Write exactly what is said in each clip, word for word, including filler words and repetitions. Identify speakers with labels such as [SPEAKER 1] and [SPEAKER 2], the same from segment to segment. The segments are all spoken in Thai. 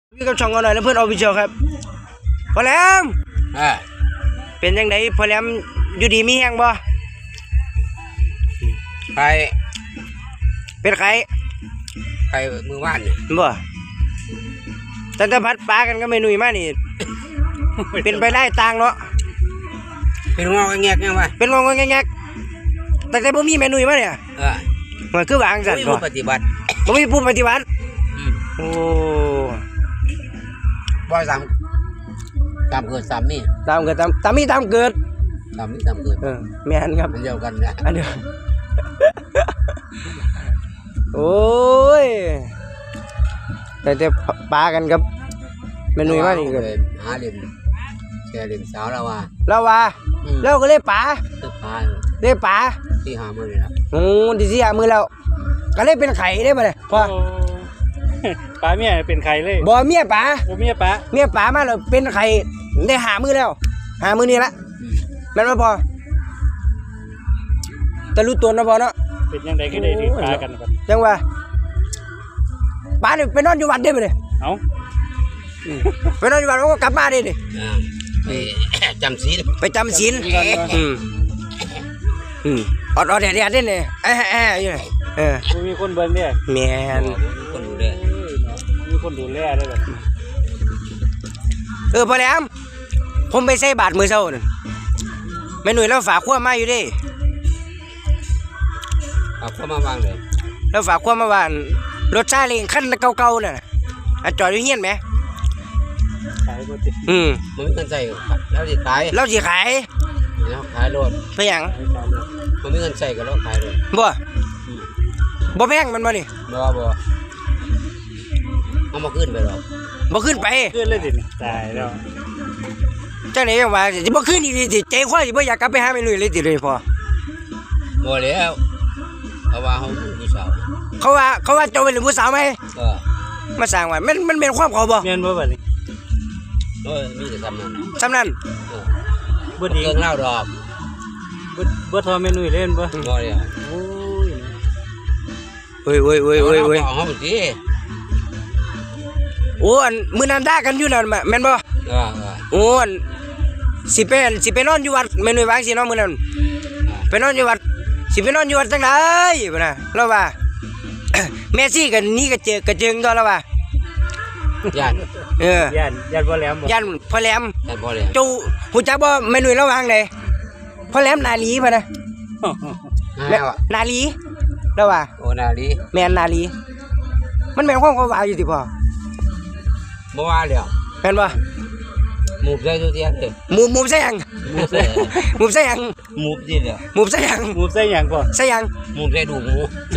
[SPEAKER 1] พี่กับช่องกันหน่อยแล้วเพื่อนออฟฟิเชียลครับพอแหลมเป็นยังไงพอแหลมอยู่ดีมีแห้งบ่
[SPEAKER 2] ใคร
[SPEAKER 1] เป็นใคร
[SPEAKER 2] ใครมือว่านเนี่ย
[SPEAKER 1] บ่ตั้งแต่พัดปลากันก็ไม่หนุ่ยมานี่ เป็นไปได้ตังเนาะ
[SPEAKER 2] เป็นงอแงกยังไง
[SPEAKER 1] เป็นงอแงกแต่แต่บ่มีแม่หนุ่ยมาเนี่ย
[SPEAKER 2] เออ
[SPEAKER 1] มันคือวางสั่นบ่
[SPEAKER 2] ปฏิบัติ
[SPEAKER 1] บ่มีผู้ปฏิบัติโอ้
[SPEAKER 2] บ่สามตามเกิดสามนี่
[SPEAKER 1] ตามเกิดตามตามมีตามเกิด
[SPEAKER 2] ตามนี่ตามเกิด
[SPEAKER 1] เออแม่นครับ
[SPEAKER 2] เดียวกันนะ
[SPEAKER 1] อันเดียวโอ้ยแต่แต่ปลากันครับแม่หนุ่ยมานี่ก็
[SPEAKER 2] หาเล่นแกเล่นสาวแล้วว่า
[SPEAKER 1] แล้วว่าแล้วก็เลยปลา
[SPEAKER 2] ปลา
[SPEAKER 1] เลยปลา
[SPEAKER 2] ที่หามือเลยนะ
[SPEAKER 1] โอ้ที่สี่หามือแล้วก็เลยเป็นไข่ได้ป่ะเนี่ยพ่อ
[SPEAKER 3] ปลาเมียเป็นไข่เลย
[SPEAKER 1] บ่เมียปลา
[SPEAKER 3] บ่เมียปลา
[SPEAKER 1] เมียปลามาแล้วเป็นไข่ได้หามือแล้วหามือนี่ละแม่นบ่พอแต่รู้ตัวนะพอเนาะ
[SPEAKER 3] เป็นยังไงก็ได้ที่ปลากันครับ
[SPEAKER 1] จังว่าปลาเนี่ยไปนอนอยู่วัดได้ป่ะเนี่ย
[SPEAKER 3] เอ้า
[SPEAKER 1] ไปนอนอยู่วัดก็กลับมาได้ดิ
[SPEAKER 2] ไปจำศีล
[SPEAKER 1] ไปจำศีลอืมอืมอดอดแดดแดดได้เนี่ยแอะแอะอยู่เลยเออ
[SPEAKER 3] มีคนเบิ่งเนี่ย
[SPEAKER 1] แม่น
[SPEAKER 2] มีคนดูแล
[SPEAKER 3] มีคนดูแลได้แบบ
[SPEAKER 1] เออพอแล้วผมไปใส่บาทมือเช้านั่นแม่หนุ่ยแล้วฝากขั้วมาอยู่ดิ
[SPEAKER 2] ฝากขั้วมาวางเลย
[SPEAKER 1] แล้วฝากขั้วมาว่ารถซาเล้งคันเก่าๆน่ะอันจอดอยู่เฮียนไหม
[SPEAKER 3] ขายบ่ติด
[SPEAKER 1] อืม
[SPEAKER 2] มันมีเงินใส่แล้วสิขาย
[SPEAKER 1] เราสิขาย
[SPEAKER 2] แล้วขายรถ
[SPEAKER 1] ไปหยัง
[SPEAKER 2] มันมีเงินใส่ก็แล้วขายรถ
[SPEAKER 1] บ่บ่แพงมันบ่นี่
[SPEAKER 2] บ่บ่เอามาขึ้นไปหรอก
[SPEAKER 1] บ่ขึ้นไป
[SPEAKER 3] ขึ้นเลยสิตายแล้ว
[SPEAKER 1] จังไหนจังว่าสิบ่ขึ้นอีกสิใจคว้าสิบ่อยากกลับไปหาแม่หนุ่ยเลยติเลยพอ
[SPEAKER 2] บ่แล้วเพราะว่าเฮาเป็นผู้สาว
[SPEAKER 1] เขาว่าเขาว่าเจ้าเป็นผู้สาวมั้ย
[SPEAKER 2] เออ
[SPEAKER 1] มาสร้างว่ามันมันเป็นความเขาบ่
[SPEAKER 3] แม่นบ่บัดนี้
[SPEAKER 2] เออมีแต่ซ้ำนั้น
[SPEAKER 1] ซ้ำนั้น
[SPEAKER 2] เออบ่ดีเรื่องเล่าดอก
[SPEAKER 3] บ่บ่ทอเมนูเล่นบ่
[SPEAKER 2] บ่เลย
[SPEAKER 3] โอ้ย
[SPEAKER 1] เฮ้ยเฮ้ยเฮ้ยเฮ้ยเฮ้ย
[SPEAKER 2] เอาเฮาสิ
[SPEAKER 1] โอ้อันมื้อนั้นด่ากันอยู่นั่นแม่นบ่
[SPEAKER 2] เออ
[SPEAKER 1] โอ้อันสิไปสิไปนอนอยู่วัดแม่หนุ่ยวางสิเนาะมื้อนั้นไปนอนอยู่วัดสิไปนอนอยู่วัดจังได๋บ่น่ะแล้วว่าแม่ซี่กันนี่ก็เจอกระเจิงตัวแล้วว่า
[SPEAKER 2] ย่าน
[SPEAKER 1] เอ
[SPEAKER 3] อย่านย่านพ่อแหลมบ่
[SPEAKER 1] ย่านพ่อแหลม
[SPEAKER 2] ย่านพ่อแหลม
[SPEAKER 1] จูฮู้จักบ่แม่หนุ่ยระวางไดพ่อแหลมนาลีพ่ะนะแม่นาลีแล้วว่า
[SPEAKER 2] โอ้นาลี
[SPEAKER 1] แม่นนาลีมันแม่นความเขาว่าอยู่ติพ่อ
[SPEAKER 2] บ่ว่าแล้ว
[SPEAKER 1] แม่นบ่
[SPEAKER 2] หมูใส่ตัวเตี้ยเด้
[SPEAKER 1] หมูหมูใส่หยัง
[SPEAKER 2] หมูใส่
[SPEAKER 1] หมูใส่หยัง
[SPEAKER 2] หมูดิเด้อ
[SPEAKER 1] หมูใส่หยัง
[SPEAKER 3] หมูใส่หยังพ่อ
[SPEAKER 1] ใส่หยัง
[SPEAKER 2] หมูใส่ดูหมู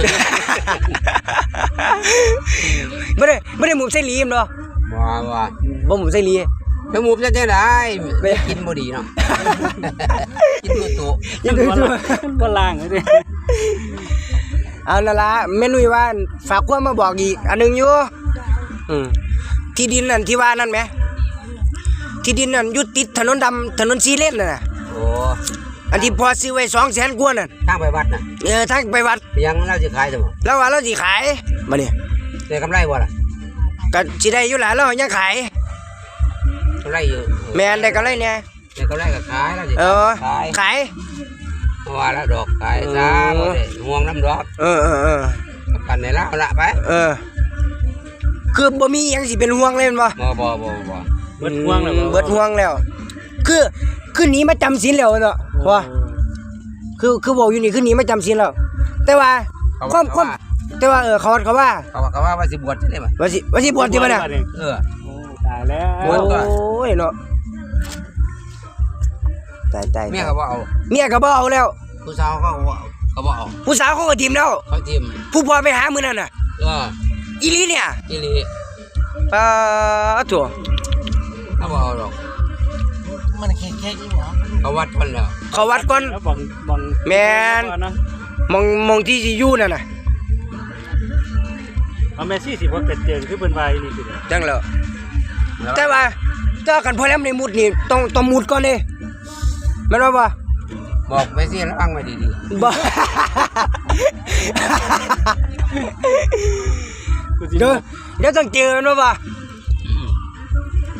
[SPEAKER 1] บ่ได้บ่ได้หมูใส่ลีมเนาะ
[SPEAKER 2] บ่ว่า
[SPEAKER 1] บ่หมูใส่ลี
[SPEAKER 2] แล้วหมูใส่จังได๋กินบ่ดีเนาะกินตัวโต
[SPEAKER 1] กินตัวโต
[SPEAKER 3] บ่ล้างเลย
[SPEAKER 1] เอานั่นล่ะแม่หนุ่ยว่าฝากความมาบอกอีกอันนึงอยู่อืมที่ดินนั่นที่ว่านั่นแหมที่ดินนั่นอยู่ติดถนนดำถนนสีเลนน่ะ
[SPEAKER 2] โอ้
[SPEAKER 1] อันที่พอซื้อไว้สองแสนกว่านั่น
[SPEAKER 2] ทางไปวัดน่ะ
[SPEAKER 1] เออทางไปวัด
[SPEAKER 2] ยังเราสิขายจังบ่
[SPEAKER 1] แล้วว่าเราสิขายมานี่
[SPEAKER 2] ได้กำไรบ่ล่ะ
[SPEAKER 1] ก็สิได้อยู่ล่ะเรายังขาย
[SPEAKER 2] กำไรอยู่
[SPEAKER 1] แม่นได้กำไรเนี่ย
[SPEAKER 2] ได้กำไรก็ขายแล้วสิ
[SPEAKER 1] เออขาย
[SPEAKER 2] เพราะว่าแล้วดอกขายซะบ่ได้ห่วงน้ำดอก
[SPEAKER 1] เออๆ
[SPEAKER 2] ๆกันให้เราละไป
[SPEAKER 1] เออคือบ่มีหยังสิเป็นห่วงเลยแม่นบ่
[SPEAKER 2] บ่บ่บ่บ่
[SPEAKER 3] เบิดห่วงแล้ว
[SPEAKER 1] เบิดห่วงแล้วคือคือหนีมาจำศีลแล้วเนาะว่าคือคือบอกอยู่นี่คือหนีมาจำศีลแล้วแต่ว่าความความแต่ว่าเออเขาเขาว่า
[SPEAKER 2] เขาว่าเขาว่าว่าสิบวชใช่มั้ย
[SPEAKER 1] ว่าสิว่าสิบวชที่บ่น่ะ
[SPEAKER 2] เออ
[SPEAKER 3] โอ้ตายแล้ว
[SPEAKER 1] โอ้ยเนาะตายๆ
[SPEAKER 2] เมียก็บ่เอา
[SPEAKER 1] เมียก็บ่เอาแล้ว
[SPEAKER 2] ผู้สาวเขาก็เขาบ่เอา
[SPEAKER 1] ผู้สาวเขาก็ทิ่มแล้ว
[SPEAKER 2] เขาทิ่ม
[SPEAKER 1] ผู้พ่อไปหามื้อนั้นน่ะ
[SPEAKER 2] เออ
[SPEAKER 1] อีหลีเนี่ย
[SPEAKER 2] อีหลี
[SPEAKER 1] ปาถั่ว
[SPEAKER 2] เขาบ่เอาดอกมันแค่ๆอีหว่าเขาวัดก่อนแล้ว
[SPEAKER 1] เขาวัดก่อน
[SPEAKER 3] บังบัง
[SPEAKER 1] แม่นมองมองที่สิอยู่นั่นน่ะ
[SPEAKER 3] เอาแม่ซี่สิบ่เกิดเจิงคือเพิ่นว่าอีนี่สิ
[SPEAKER 1] จังแล้วแต่ว่าเจอกันพอแล้วในมุดนี่ต้องต้องมุดก่อนเด้แม่นบ่บ่
[SPEAKER 2] บอกแม่ซี่ระวังไว้ดี
[SPEAKER 1] ๆบ่เดี๋ยวเดี๋ยวต้องเจอแม่นบ่บ่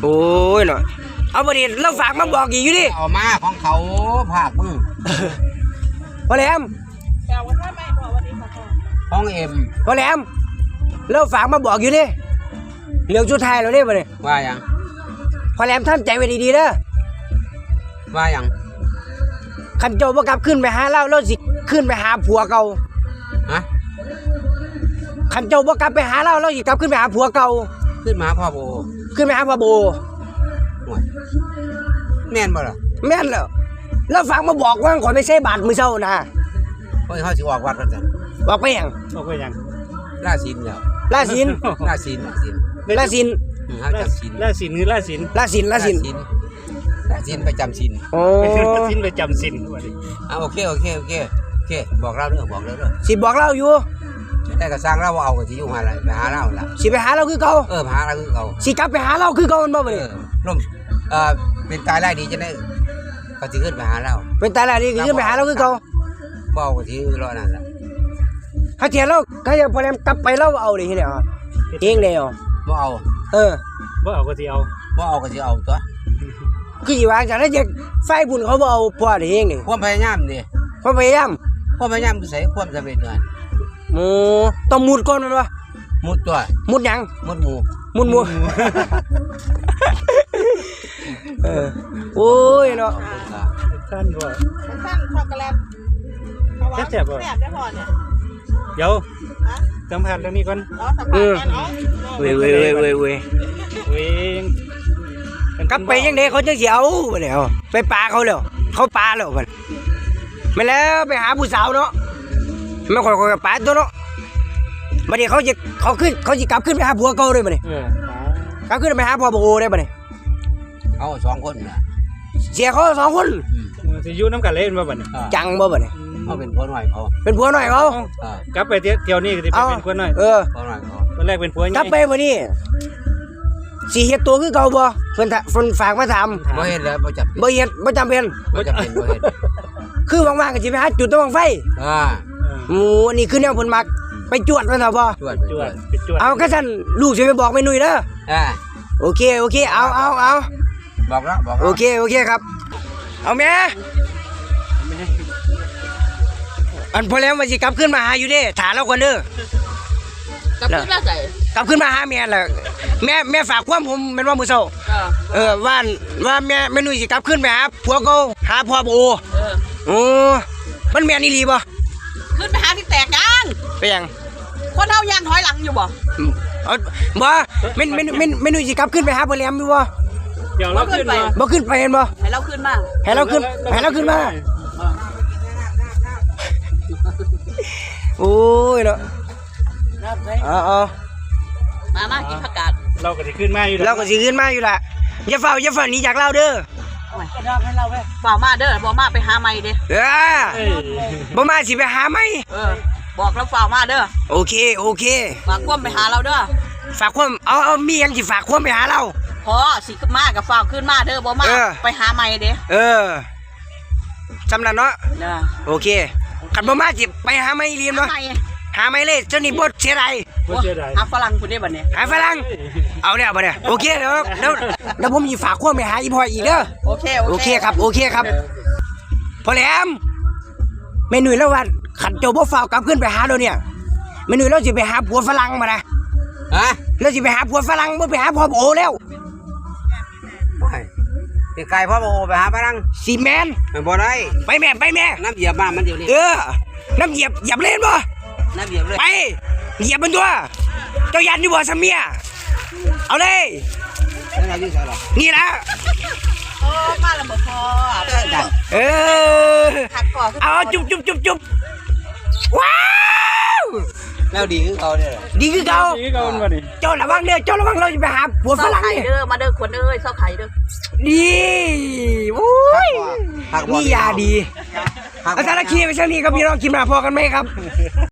[SPEAKER 1] โอ้ยเนาะเอาบ่ดิเราฝากมาบอกอีกอยู่ดิ
[SPEAKER 2] เอามาของเขาภาคมึง
[SPEAKER 1] พอแหลม
[SPEAKER 4] แต่ว่าถ้าไม่พอวันนี้ค่ะพ่อ
[SPEAKER 2] ของเอ็ม
[SPEAKER 1] พอแหลมเราฝากมาบอกอยู่ดิเรื่องสุดท้ายแล้วเด้บ่นี่
[SPEAKER 2] ว่าหยัง
[SPEAKER 1] พอแหลมทำใจไว้ดีๆเด้อ
[SPEAKER 2] ว่าหยัง
[SPEAKER 1] คันเจ้าบ่กลับขึ้นไปหาเราเราสิขึ้นไปหาผัวเก่า
[SPEAKER 2] ฮะ
[SPEAKER 1] คันเจ้าบ่กลับไปหาเราเราสิกลับขึ้นไปหาผัวเก่า
[SPEAKER 2] ขึ้นมาพ่อโบ
[SPEAKER 1] ขึ้นไปหาพ่อโบ
[SPEAKER 2] ห่วยแม่นบ่ล่ะ
[SPEAKER 1] แม่นแล้วแล้วฝากมาบอกว่าขอยไม่ใช่บาทมื้อเช้านะ
[SPEAKER 2] เฮ้ยเขาสิออกวัดกันจ้ะ
[SPEAKER 1] บอกไปหยัง
[SPEAKER 3] เอาไปยัง
[SPEAKER 2] ล่าศีลแล้ว
[SPEAKER 1] ลาศีล
[SPEAKER 2] ล่าศีลล่าศีล
[SPEAKER 1] ลาศีล
[SPEAKER 2] อืมเขาจำศีล
[SPEAKER 3] ล่าสินคือล่าสิน
[SPEAKER 1] ลาศีลลาศีล
[SPEAKER 2] ล่าศีลไปจำศีล
[SPEAKER 1] โอ้
[SPEAKER 3] สินไปจำสินว่าดิ
[SPEAKER 2] อ่ะโอเคโอเคโอเคโอเคบอกเราเด้อบอกเราเด้อ
[SPEAKER 1] สิบอกเราอยู่
[SPEAKER 2] แต่ก็สร้างเราบ่เอาก็สิอยู่หาอะไรไปหาเราล่ะ
[SPEAKER 1] สิไปหาเราคือเก่า
[SPEAKER 2] เออไปหาเราคือเขา
[SPEAKER 1] สิกลับไปหาเราคือเก่ามันบ่
[SPEAKER 2] เอ
[SPEAKER 1] บัดนี้
[SPEAKER 2] อร่มเอ่อเป็นตายไล่ดีจะได้ก็สิขึ้นไปหาเรา
[SPEAKER 1] เป็นตายแล้วนี่คือขึ้นไปหาเราคือเก่า
[SPEAKER 2] บ่เอาก็สิรอนั่นล่ะ
[SPEAKER 1] ถ้าเทียเราถ้าจะพอแลมกลับไปเราเอาดิเฮ็ดเอาเองเด้อ
[SPEAKER 2] บ่เอา
[SPEAKER 1] เออ
[SPEAKER 3] บ่เอาก็สิเอา
[SPEAKER 2] บ่เอาก็สิเอาตัว
[SPEAKER 1] คือสิวางจังได๋จะไฟบุญเขาบ่เอาพ่อดิเองนี่
[SPEAKER 2] ความพยายามดิ
[SPEAKER 1] เพราะพยายาม
[SPEAKER 2] ความพยายามคือใส่ความสำเร็จนั่น
[SPEAKER 1] โอ้ต้องมุดก่อนแม่นบ่
[SPEAKER 2] มุดตัว
[SPEAKER 1] มุดหยัง
[SPEAKER 2] มุดหมู่
[SPEAKER 1] มุดหมู่ เออโอ้ยเนาะ
[SPEAKER 2] อ่า
[SPEAKER 3] ท่านบ่
[SPEAKER 4] สั้นช็อกโกแลตเอาวะ
[SPEAKER 3] แซ่บๆบ่
[SPEAKER 4] แซ่บได้พอเนี่ย
[SPEAKER 3] เดี๋ยว
[SPEAKER 4] ฮะ
[SPEAKER 3] สัมผัสเรื่องนี้ก่อน
[SPEAKER 4] เอาสัมผัสกันเอา
[SPEAKER 1] เว้ยเว้ยเว้ยเว้ยเว้ย
[SPEAKER 3] เว้ย
[SPEAKER 1] กลับไปยังไดเขาจังสิเอาบ่แล้วไปปาเขาแล้วเขาปาแล้วมันไม่แล้วไปหาผู้สาวเนาะไม่ค่อยๆปาตัวเนาะบัดนี้เขาจะเขาขึ้นเขาสิกลับขึ้นไปหาผัวเก่าเลยบัดนี้
[SPEAKER 3] เออก
[SPEAKER 1] ลับขึ้นไปหาพ่อโบได้บัดนี้
[SPEAKER 2] เอาสองคนน่ะ
[SPEAKER 1] เสียเขาสองคน
[SPEAKER 2] อืม
[SPEAKER 3] เออสิอยู่น้ำกันเล่นบ่บัดนี้
[SPEAKER 2] อ่า
[SPEAKER 1] จังบ่บัดนี้
[SPEAKER 2] เขาเป็นคนหน่อยเขา
[SPEAKER 1] เป็นผัวหน่อยเขา
[SPEAKER 2] อ่าก
[SPEAKER 3] ลับไปเที่ยวเที่ยวนี้ก็สิไป
[SPEAKER 1] เอา
[SPEAKER 3] เป็นคนน้อย
[SPEAKER 1] เออ
[SPEAKER 2] คนหน่อยเขา
[SPEAKER 3] ตอนแรกเป็นผัวใหญ่
[SPEAKER 1] กลับไปบัดนี้สิเฮ็ดตัวคือเก่าบ่เพิ่นถเพิ่นฝากมาถาม
[SPEAKER 2] บ่เห็นแล้วบ่จับ
[SPEAKER 1] บ่เฮ็ดบ่จำเป็น
[SPEAKER 2] บ่จับเป็นบ่เห็น
[SPEAKER 1] คือว่างๆก็สิไปหาจุดตะบังไฟ
[SPEAKER 2] อ่า
[SPEAKER 1] โอ้อันนี้คือแนวเพิ่นมักไปจวดมันเถอะบ่
[SPEAKER 2] จวด
[SPEAKER 3] จ
[SPEAKER 2] จ
[SPEAKER 3] ว
[SPEAKER 2] ว
[SPEAKER 3] ด
[SPEAKER 2] ด
[SPEAKER 3] ไปจวด
[SPEAKER 1] เอาก็ซั่นลูกสิไปบอกแม่นุ่ยเด้อ
[SPEAKER 2] อ่า
[SPEAKER 1] โอเคโอเคเอาเอาเอา
[SPEAKER 2] บอกแล้วบอก
[SPEAKER 1] โอ
[SPEAKER 2] แล้ว
[SPEAKER 1] เคโอเคครับ เอาแม่อันพอแล้วมาสิกลับขึ้นมาหาอยู่เด้ถาเราก่อนเด้อ
[SPEAKER 4] กับพี่ละใส่
[SPEAKER 1] กลับขึ้นมาหาแม่แหละแม่แม่ฝากความผมเป็นว่ามื้อเช้า
[SPEAKER 4] เออ
[SPEAKER 1] เออว่าว่าแม่แม่นุ่ยสิกลับขึ้นไปหาผัวเก่าหาพ่อโบ
[SPEAKER 4] เออ
[SPEAKER 1] โอ้มันแม่นอีหลีบ่
[SPEAKER 4] ขึ้นไปหาที่แตกยาง
[SPEAKER 1] ไปยัง
[SPEAKER 4] คนเฮายางถอยหลังอยู่บ่
[SPEAKER 1] เอาบ่แม่นแม่นแม่นแม่นุ่ยสิกลับขึ้นไปหาพ่อแหลมอยู่บ่
[SPEAKER 3] เดี๋ยวเราขึ้นมา
[SPEAKER 1] บ่ขึ้นไปเห็นบ่
[SPEAKER 4] ให้เราขึ้นมา
[SPEAKER 1] ให้เราขึ้นให้เราขึ้นมา โอ้ยเนาะเอาเอา
[SPEAKER 4] มามากินผักกาด
[SPEAKER 3] เราก็สิขึ้นมาอยู่ดอก
[SPEAKER 1] เราก็สิขึ้นมาอยู่ล่ะอย่าเฝ้าอย่าเฝ้าหนีจากเราเด้อ
[SPEAKER 4] บอกมาเด้อบอกมาไปหาไม่เด้อ
[SPEAKER 1] เออ
[SPEAKER 3] เอ้ย
[SPEAKER 1] บ่มาสิไปหาไหม
[SPEAKER 4] เออ บอกแล้วฝ่ากมาเด้อ
[SPEAKER 1] โอเคโอเค
[SPEAKER 4] ฝากความไปหาเราเด้อ
[SPEAKER 1] ฝากความเอาเอามีหยังสิฝากความไปหาเรา
[SPEAKER 4] พอสิมากับฝากขึ้นมาเด้อบอกมา
[SPEAKER 1] เออ
[SPEAKER 4] ไปหาไม่เด้อ
[SPEAKER 1] เออสำนันเนาะ
[SPEAKER 4] เด้อ
[SPEAKER 1] โอเคคันบ่มาสิไปหาไหมเรียน
[SPEAKER 4] หา
[SPEAKER 1] เนาะ
[SPEAKER 4] ไม่
[SPEAKER 1] หาไหมเลยเจ้านี่บ่เสียดาย
[SPEAKER 3] บ่เสียดาย
[SPEAKER 4] หาฝรั่งคุณได้บัดนี้
[SPEAKER 1] หาฝรั่งเอาเนี่ยบ่เนี่ยโอเคเดี๋ยวเดี๋ยวเดี๋ยวผมสิฝากความไปหาอีพ่ออีกเด้อ
[SPEAKER 4] โอเค
[SPEAKER 1] โอเคครับโอเคครับพอแหลมแม่หนุ่ยแล้วว่าขันเจ้าบ่ฟ้าวกลับขึ้นไปหาเราเนี่ยแม่หนุ่ยเราสิไปหาผัวฝรั่งมานะ
[SPEAKER 2] ฮะ
[SPEAKER 1] เราสิไปหาผัวฝรั่งบ่ไปหาพ่อโอแล้ว
[SPEAKER 2] ไม่เป็นไก่พ่อโบไปหาพนัง
[SPEAKER 1] สิแมน
[SPEAKER 2] มันบ่ได้
[SPEAKER 1] ไปแม่ไปแม่
[SPEAKER 2] น้ำเหยียบบ้านมันเดี๋ยวนี้
[SPEAKER 1] เออน้ำเหยียบเหยียบเล่นบ่
[SPEAKER 2] น้ำเหยียบเลย
[SPEAKER 1] ไปเหยียบมันตัวเจ้ายันอยู่บ่ซะเมียเอาเลย
[SPEAKER 2] แล้วเราอยู่ใส่หรอ
[SPEAKER 1] นี่ละ
[SPEAKER 4] โอ้มาแล้วบ่พอ
[SPEAKER 2] ได้
[SPEAKER 1] เออ
[SPEAKER 4] หักก่อน
[SPEAKER 1] เอาจุ๊บจุ๊บจุ๊บจุ๊บว้าว
[SPEAKER 2] แล้วดีคือเขาเนี่ย
[SPEAKER 1] ดีคือเก่า
[SPEAKER 3] นี่ก็มันบ่นี่
[SPEAKER 1] เจ้าระวังเด้อเจ้าระวังเราจะไปหาผัวฝ
[SPEAKER 4] เศร้า
[SPEAKER 1] รั่ง
[SPEAKER 4] ไข่
[SPEAKER 1] เนี่ย
[SPEAKER 4] เด้อมาเด้อคนเอ้ยเศร้าไข่เด้อ
[SPEAKER 1] ดีโอ้ย
[SPEAKER 2] หักบ่
[SPEAKER 1] นี่ยาดี
[SPEAKER 2] หักบ่
[SPEAKER 1] อาจารย์คีไปเช่นนี้ครับพี่น้องกินมาพอกันไหมครับ